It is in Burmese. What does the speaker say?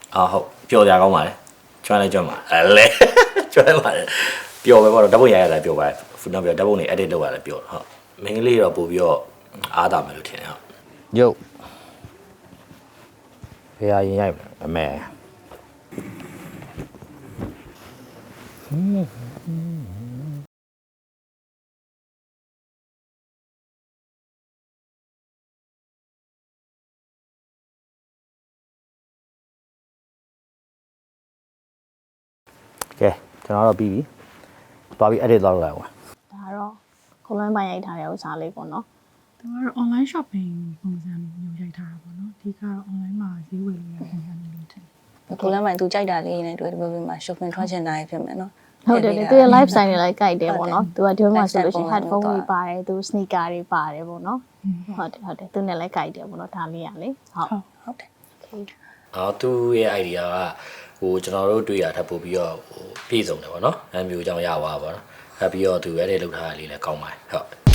ဟုတ်ပျော်ကြကောင်းပါလေကျွမ်းလဲကျွမ်းပါလဲကျွမ်းပါလေပျော်ပဲပေါ့တော့ဓာတ်ပုံရရတယ်ပျော်ပါနောက်ပြီးဓာတ်ပုံတွေ edit လုပ်ရတယ်ပျော်ဟုတ်မင်းကလေးတော့ပို့ပြီးတော့အားတာမယ်လို့ထင်တယ်ဟုတ်ရုပ်ဖေးရင်ရိုက်အမေကဲကျွန်တော်တော့ပြီးပြီသွားပြီး edit လုပ်လိုက်ပါဒါတော့ခုလုံးပိုင်းရိုက်ထားတဲ့ဥစ္စာလေးပေါ့နော်သူကတော့ online shopping ပုံစံမျိုးရိုက်ထားတာပေါ့နော်အဓိကတော့ online မှာဈေးဝယ်ရတဲ့ပုံစံမျိုးလို့ထင်တယ်ခုလည်းမှသူကြိုက်တာလေးနဲ့တွေ့တဲ့ဘက်မှာ shopping ထွက်ချင်တာဖြစ်မယ်နော်ဟုတ်တယ်သူရဲ့ live style တွေလိုက်ကြိုက်တယ်ပေါ့နော်သူကဒီမှာဆိုလို့ရှိရင် headphone တွေပါတယ်သူ sneaker တွေပါတယ်ပေါ့နော်ဟုတ်တယ်သူနဲ့လည်းကြိုက်တယ်ပေါ့နော်ဒါလေးရလေဟုတ်တယ်သူ့ရဲ့ idea ကဟိုကျွန်တော်တို့တွေ့ရထပ်ပို့ပြီးတော့ဟိုပြည့်စုံတယ်ပေါ့နော်အဲမျိုးကြောင့်ရပါပါတော့ပြီးတော့သူအဲ့ဒီလောက်ထားတာလေးလည်းကောင်းပါတယ်ဟုတ်